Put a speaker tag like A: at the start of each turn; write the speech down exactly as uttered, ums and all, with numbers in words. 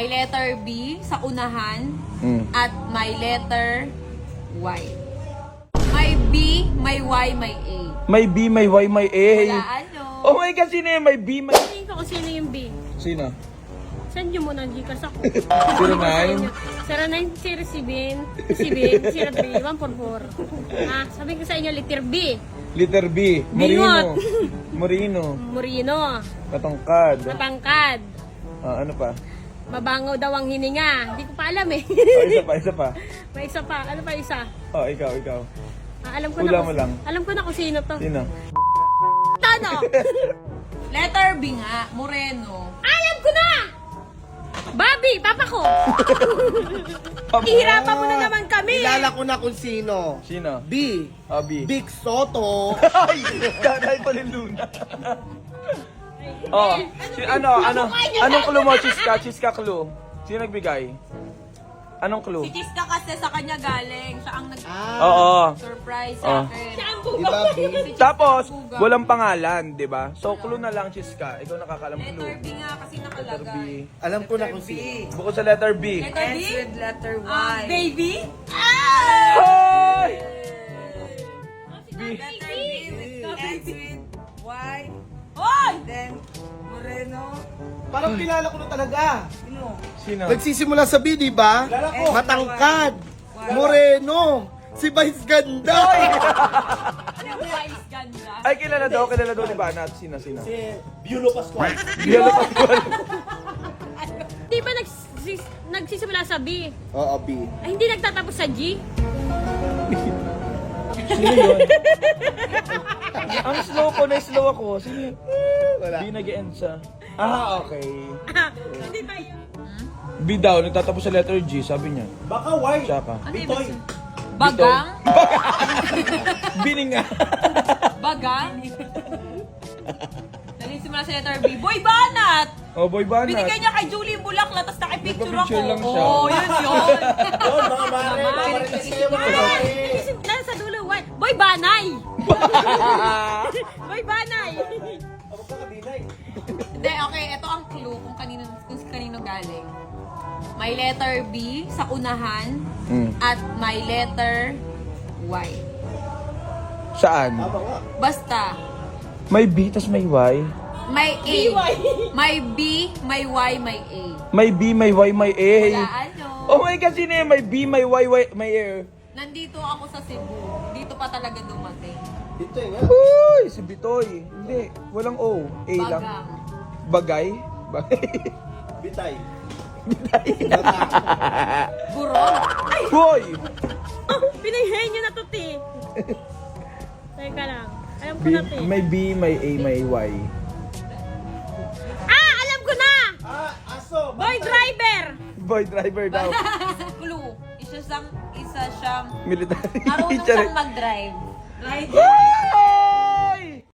A: May letter B sa unahan
B: Mm.
A: at may letter Y. May B, may Y, may A.
B: May B, may Y, may A.
A: Wala ano.
B: Oh my God, sino yung may B, may...
C: Tingin ko kung sino yung B.
B: Sino?
C: Send nyo muna, Gcash ako.
B: zero nine?
C: zero nine zero seven seven zero three one four four. Ah, sabi ko sa inyo, letter B.
B: Letter B.
C: Bingot.
B: Moreno. Moreno.
C: Moreno.
B: Katangkad.
C: Matangkad.
B: Ah, ano pa?
C: Mabangaw daw ang hininga. Hindi ko pa alam eh.
B: Oh, isa pa, isa pa.
C: May isa pa. Ano pa isa?
B: Oh, ikaw, ikaw.
C: Ah, alam ko
B: Hula
C: na
B: mo
C: kung,
B: lang.
C: alam ko na kung sino to.
B: Sino?
C: Tano!
A: Letter B nga, Moreno.
C: Alam ko na! Bobby, papa ko! Ihirapan mo na naman kami!
D: Kilala ko na kung sino.
B: Sino?
D: B.
B: Ah, B.
D: Big Soto.
B: Ay! Dahil pa rin Luna. Oh, si, ano, ano, anong clue mo, Chiska? Chiska clue. Sino nagbigay? Anong clue?
A: Si Chiska kasi sa kanya galing. Siya ang
D: Ah.
B: Oo.
A: nag-surprise
B: Oh.
A: sa akin.
D: Diba, B?
A: Si Chiska
B: Tapos,
A: Buga.
B: walang pangalan, di ba? So, clue na lang, Chiska. Ikaw nakakalam
A: Letter
B: clue.
A: B nga kasi
B: Letter B.
A: nakalagay.
D: Alam ko na kung sino.
B: Bukod sa letter B.
A: Letter B?
E: with letter Y.
A: Ah, baby?
B: Hoy! B.
E: Letter B with ends with Y.
A: Hoy!
E: Then, Moreno.
D: Parang kilala ko na talaga.
E: Sino?
B: Sino?
D: Nagsisimula sa B, di ba?
E: Kilala ko.
D: Matangkad. Moreno. Si Vice Ganda.
A: Ano yung wise ganda?
B: Ay, kilala daw, kilala daw ni Banat. Sino, sino?
D: Si Biolo Pascual.
B: Biolo Pascual.
C: Di ba nagsis, nagsisimula sa B?
D: Oo, B.
C: Ay, hindi nagtatapos sa G?
B: Sino yun? Ang slow ko, na-slow ako. Sino yun?
D: Wala.
B: B nag-end sa... Ah, okay.
C: Hindi ba yun?
B: B daw, nagtatapos sa letter G, sabi niya.
D: Baka Y.
B: Tsaka.
A: Ano ibig sabihin? Bagang?
B: Bining nga.
A: Bagang? Nagsimula sa letter B. Boy Banat!
B: Oh, boy Banat.
A: Binigay niya kay Julie yung bulaklak, tapos nakipicture ako.
B: Nagpa-picture lang siya.
A: Oo, yun yun.
D: Yun, mga mare. Marites kayo mga mare.
C: Nasa sa dulo, what? Boy Banay! Boy Banay!
D: Ako ka kabinay.
A: Hindi, okay, ito ang clue kung kanino, kung kanino galing. May letter B sa unahan
B: Mm.
A: at may letter Y.
B: Saan?
D: Tama nga.
A: Basta,
B: May B, tas may Y.
A: may A. May B, may Y, may A.
B: May B, may Y, may A.
A: Wala ano.
B: Oh my God, sino yun? May B, may Y, Y, may A.
A: Nandito ako sa Cebu. Dito pa talaga dumating.
D: Dito nga.
B: Uy, si Bitoy. Hindi, walang O. A lang.
A: Bagang.
B: Bagay? Bagay.
D: Bitay.
A: Burong.
B: Hoy!
C: Oh, pinayhay niyo na to, ti. Teka lang. Alam ko
B: B,
C: na, ti.
B: may B, may A, may Y.
C: Ah! Alam ko na!
D: Ah, aso.
C: Boy driver!
B: Boy driver daw.
A: Clue. Isa siyang, isa siyang,
B: Military
A: marunong
B: teacher.
A: siyang mag-drive. Right?
B: Ay!